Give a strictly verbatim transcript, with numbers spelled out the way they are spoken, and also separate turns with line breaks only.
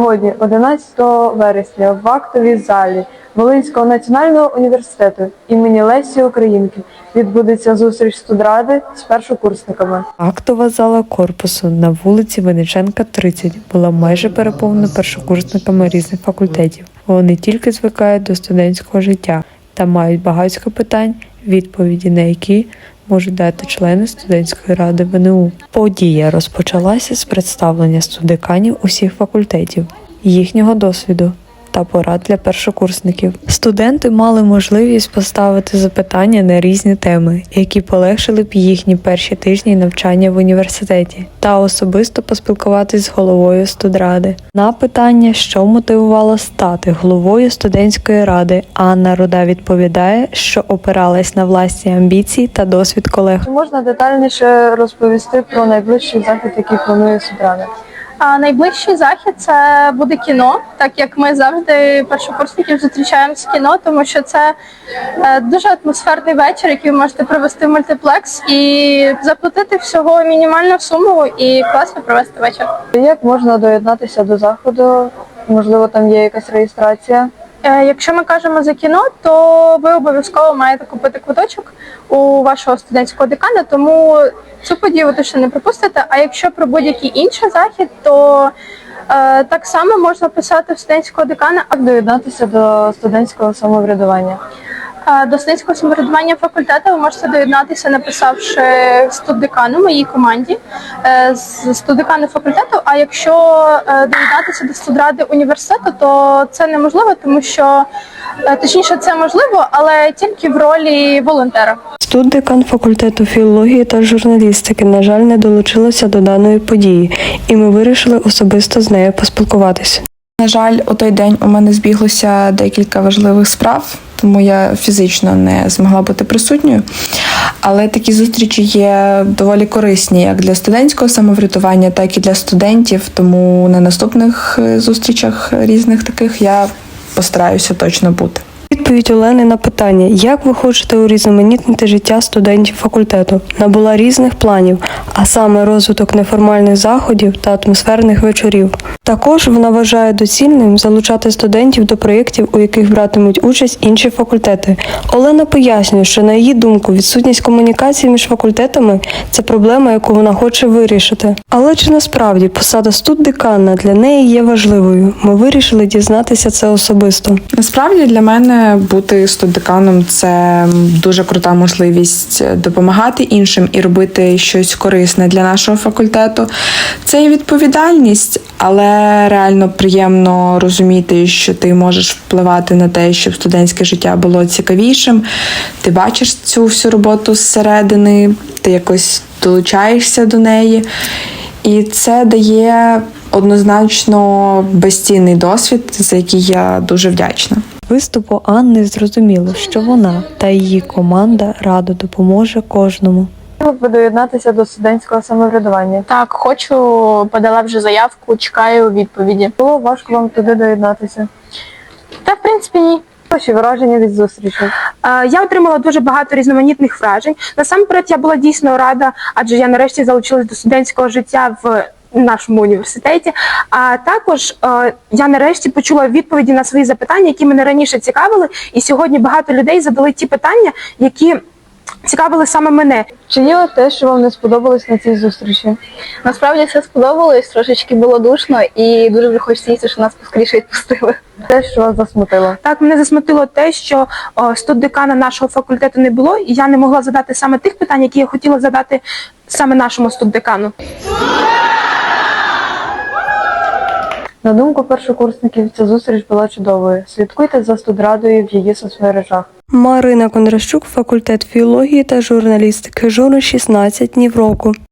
Сьогодні, одинадцятого вересня, в актовій залі Волинського національного університету імені Лесі Українки відбудеться зустріч студради з першокурсниками.
Актова зала корпусу на вулиці Винниченка, тридцять була майже переповнена першокурсниками різних факультетів. Вони тільки звикають до студентського життя та мають багатько питань, відповіді на які можуть дати члени студентської ради В Н У. Подія розпочалася з представлення студдеканів усіх факультетів, їхнього досвіду та порад для першокурсників. Студенти мали можливість поставити запитання на різні теми, які полегшили б їхні перші тижні навчання в університеті, та особисто поспілкуватись з головою студради. На питання, що мотивувало стати головою студентської ради, Анна Руда відповідає, що опиралась на власні амбіції та досвід колег.
Чи можна детальніше розповісти про найближчий захід, який планує студрада?
А найближчий захід це буде кіно, так як ми завжди першокурсників зустрічаємо з кіно, тому що це е, дуже атмосферний вечір, який ви можете провести в мультиплекс і заплатити всього мінімальну суму і класно провести вечір.
Як можна доєднатися до заходу? Можливо, там є якась реєстрація?
Е, Якщо ми кажемо за кіно, то ви обов'язково маєте купити квиточок у вашого студентського декана, тому цю подію ви точно не пропустите. А якщо про будь-який інший захід, то е, так само можна писати в студентського декана.
Як доєднатися до студентського самоврядування?
Е, До студентського самоврядування факультету ви можете доєднатися, написавши студдекану моїй команді е, з студдекану факультету. А якщо е, доєднатися до студради університету, то це неможливо, тому що е, точніше це можливо, але тільки в ролі волонтера.
Студдекан факультету філології та журналістики, на жаль, не долучилася до даної події, і ми вирішили особисто з нею поспілкуватися.
На жаль, у той день у мене збіглося декілька важливих справ, тому я фізично не змогла бути присутньою. Але такі зустрічі є доволі корисні як для студентського самоврядування, так і для студентів, тому на наступних зустрічах різних таких я постараюся точно бути.
Відповідь Олени на питання, як ви хочете урізноманітнити життя студентів факультету, набула різних планів, а саме розвиток неформальних заходів та атмосферних вечорів. Також вона вважає доцільним залучати студентів до проєктів, у яких братимуть участь інші факультети. Олена пояснює, що на її думку відсутність комунікації між факультетами – це проблема, яку вона хоче вирішити. Але чи насправді посада студдекана для неї є важливою? Ми вирішили дізнатися це особисто.
Насправді для мене бути студдеканом – це дуже крута можливість допомагати іншим і робити щось корисне для нашого факультету. Це і відповідальність, але реально приємно розуміти, що ти можеш впливати на те, щоб студентське життя було цікавішим. Ти бачиш цю всю роботу зсередини, ти якось долучаєшся до неї. І це дає однозначно безцінний досвід, за який я дуже вдячна.
Виступу Анни зрозуміло, що вона та її команда радо допоможе кожному.
Хотіли б ви доєднатися до студентського самоврядування?
Так, хочу, подала вже заявку, чекаю відповіді.
Було важко вам туди доєднатися?
Та, в принципі, ні.
Ваші враження від зустрічі?
Е, Я отримала дуже багато різноманітних вражень. Насамперед, я була дійсно рада, адже я нарешті залучилась до студентського життя в нашому університеті. А також е, я нарешті почула відповіді на свої запитання, які мене раніше цікавили. І сьогодні багато людей задали ті питання, які цікавили саме мене.
Чи є те, що вам не сподобалось на цій зустрічі?
Насправді все сподобалось, трошечки було душно і дуже вже хочеться їсти, що нас поскоріше відпустили.
Те, що вас засмутило?
Так, мене засмутило те, що о, студдекана нашого факультету не було, і я не могла задати саме тих питань, які я хотіла задати саме нашому студдекану.
На думку першокурсників, ця зустріч була чудовою. Слідкуйте за студрадою в її соцмережах.
Марина Кондращук, факультет філології та журналістики, журнал шістнадцять, Нівроку.